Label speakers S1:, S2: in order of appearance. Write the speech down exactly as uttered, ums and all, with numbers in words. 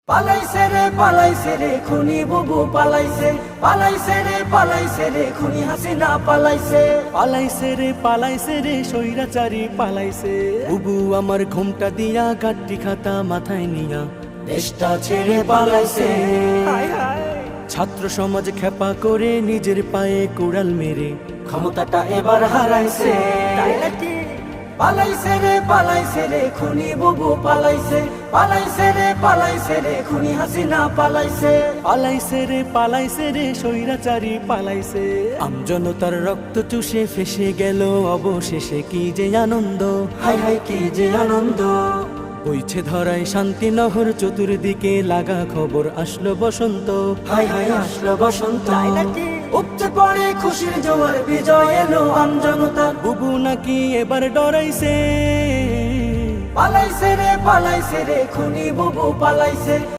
S1: পালাইছে রে পালাইছে রে খুনি বুবু পালাইছে, পালাইছে রে পালাইছে রে খুনি হাসিনা পালাইছে,
S2: পালাইছে রে পালাইছে রে স্বৈরাচারী পালাইছে। বুবু আমার ঘুমটা দিয়া গাড্ডি খাতা মাথায় নিয়া
S1: দেশটা ছেড়ে পালাইছে।
S2: ছাত্র সমাজ খেপা করে নিজের পায়ে কুড়াল মেরে
S1: ক্ষমতাটা এবার হারাইছে। পালাইছে রে পালাইছে রে খুনি বুবু পালাইছে, পালাইছে রে পালাইছে রে খুনি হাসিনা পালাইছে,
S2: পালাইছে রে পালাইছে রে স্বৈরাচারী পালাইছে। আমজনতার রক্ত চুষে ফেসে গেল অবশেষে কি যে আনন্দ,
S1: হাই হাই কি যে আনন্দ।
S2: বইছে ধরায় শান্তি নহর চতুর্দিকে লাগা খবর আসলো বসন্ত,
S1: হাই হাই আসলো বসন্ত। উপচে পড়ে খুশির জোয়ার বিজয় এলো আমজনতা।
S2: বুবু নাকি এবার ডরাইছে।
S1: পালাইছে রে পালাইছে রে খুনি বুবু পালাইছে।